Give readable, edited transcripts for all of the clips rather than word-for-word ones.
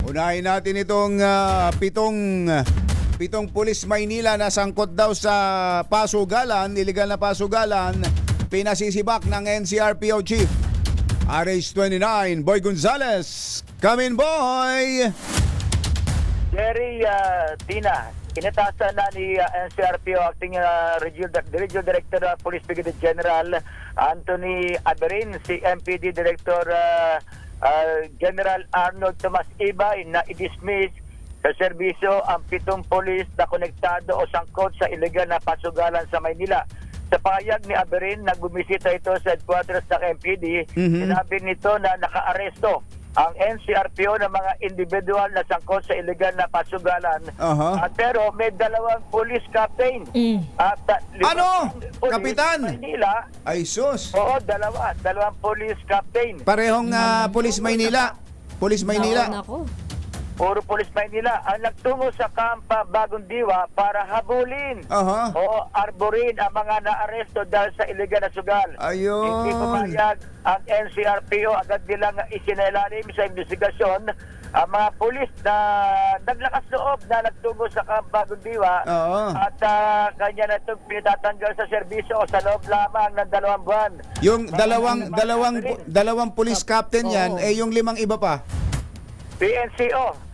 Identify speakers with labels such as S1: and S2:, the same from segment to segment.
S1: Unahin natin itong pitong pulis Maynila na sangkot daw sa pasugalan, illegal na pasugalan, pinasisibak ng NCRPO Chief RH29 Boy Gonzales. Come in, boy!
S2: Jerry, Tina, inatasan na ni NCRPO Acting Regional Director Police Brigadier General Anthony Aberin, si MPD Director General Arnold Tomas Ibay na i-dismiss sa serbisyo ang 7 pulis na konektado o sangkot sa illegal na pasugalan sa Maynila. Sa pahayag ni Aberin, nagbumisita ito sa headquarters ng MPD, sinabi nito na nakaaresto ang NCRPO ng mga individual na sangkot sa illegal na pasugalan. Pero may 2 police captain. At
S1: ano?
S2: police
S1: Kapitan?
S2: Maynila.
S1: Ay sus.
S2: Oo, 2 police captain.
S1: Parehong Police Maynila. Police Maynila.
S3: Nako.
S2: Puro Police Maynila ang nagtungo sa Kampa Bagong Diwa para habulin o arborin ang mga naaresto dahil sa illegal na sugal.
S1: Ayun.
S2: Hindi pumayag ang NCRPO, agad nilang isinailalim sa investigasyon ang mga pulis na naglakas loob na nagtungo sa Kampa Bagong Diwa at kanya na itong pinatatanggal sa serbisyo o sa loob lamang ng 2 buwan.
S1: Yung dalawang police captain yan, yung 5 iba pa.
S2: PNCO.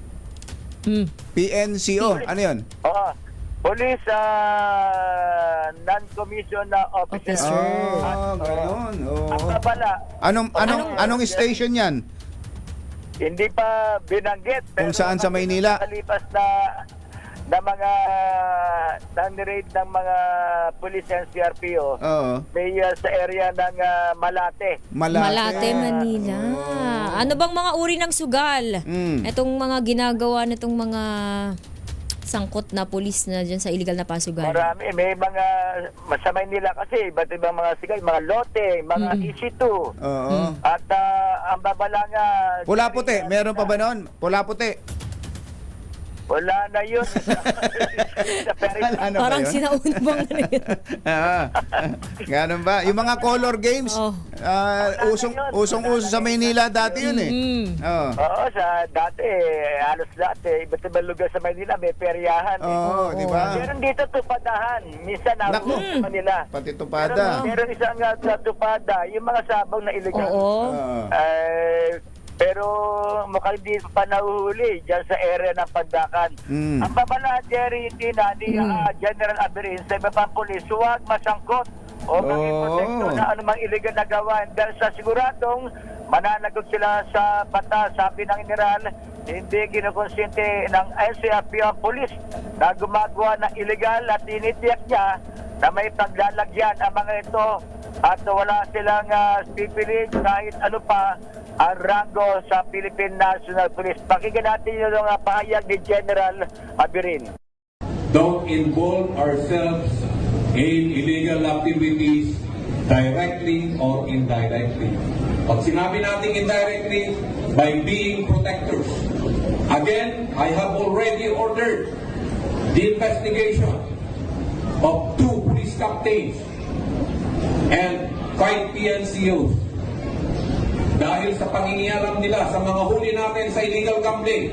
S1: PNCO, ano yun?
S2: Oo. Police non-commissioned officer.
S1: Ganun.
S2: Ang babala.
S1: Anong station yan?
S2: Hindi pa binanggit.
S1: Kung saan sa Maynila?
S2: Kalipas na mga nang-raid ng mga police and CRPO. May sa area ng Malate.
S3: Malate, Manila. Ano bang mga uri ng sugal? Itong mga ginagawa nitong mga sangkot na pulis na dyan sa illegal na pasugalan.
S2: Marami. May mga sa Maynila kasi, iba't ibang mga sigal, mga lote, mga EC2. At ang babala nga...
S1: Pula-puti. Meron pa ba noon? Pula-puti.
S2: Wala na yun.
S3: Parang sinauna bang na yun?
S1: Ganun ba? Yung mga color games, usong-uso sa Maynila dati yun eh.
S2: Oo, sa dati, halos dati, iba't ibang lugar sa Maynila, may peryahan.
S1: Di ba?
S2: Meron dito tupadahan. Minsan naroon sa Manila.
S1: Pati tupada.
S2: Meron isang tupada, yung mga sabong na illegal. Pero mukhang hindi pa nahuhuli dyan sa area ng Pandakan. Ang babala, Jerry, Tina, ni General Aberin sa iba pang pulis, huwag masangkot o maging protekto na anumang illegal na gawain dahil sa siguradong mananagot sila sa batas. Sabi ng General, hindi kinukonsente ng NCRPO ang pulis na gumagawa ng illegal at tinitiyak niya na may paglalagyan ang mga ito at wala silang pipilit kahit ano pa ang rango sa Philippine National Police. Pakinggan natin yung pahayag ni General Aberin.
S4: Don't involve ourselves in illegal activities directly or indirectly. Pag sinabi natin indirectly, by being protectors. Again, I have already ordered the investigation of 2 police captains and 5 PNCOs. Dahil sa pangingialam nila sa mga huli natin sa illegal gambling.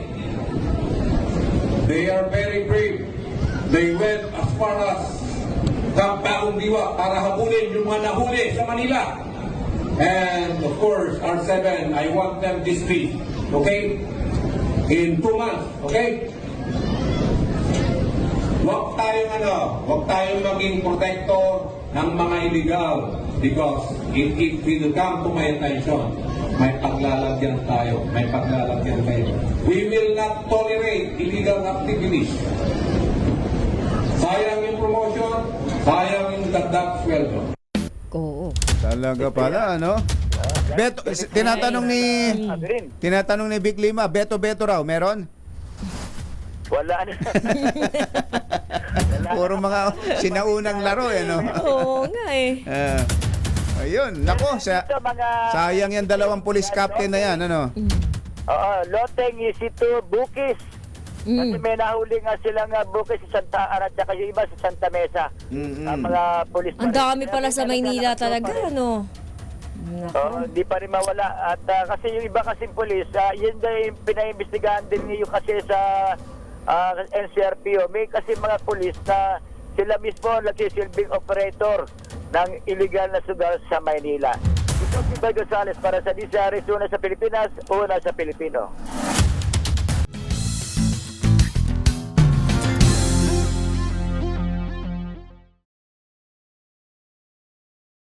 S4: They are very brave. They went as far as Camp Bagong Diwa para habulin yung mga nahuli sa Manila. And of course, R7, I want them dismissed. Okay? In 2 months. Okay? Huwag tayong maging protector ng mga illegal because if it will come to my attention, may paglalagyan tayo, may paglalagyan tayo. We will not tolerate illegal activities. Sayang yung promotion, sayang yung dagdag sweldo.
S3: Oo.
S1: Talaga pala, ano? Beto, tinatanong ni Vic Lima, Beto raw, meron?
S2: Wala na.
S1: Puro mga sinaunang laro, no?
S3: Oo nga eh.
S1: Ayun, nako, sayang yan 2 police captain na yan, ano?
S2: Oo, Loteng, EC2, Bukis. Kasi may nahuli nga silang Bukis sa Santa Ana at yung iba sa Santa Mesa. Ang mga police.
S3: Ang dami pala sa Maynila talaga, ano?
S2: Hindi pa rin mawala. At kasi yung iba kasing polis, yun din pinaimbestigahan din yung kasi sa NCRPO. May kasi mga polis na sila mismo nagsisilbing operator ng illegal na sugal sa Maynila. Ito si Boy Gonzales para sa DCRS, una sa Pilipinas, una sa Pilipino.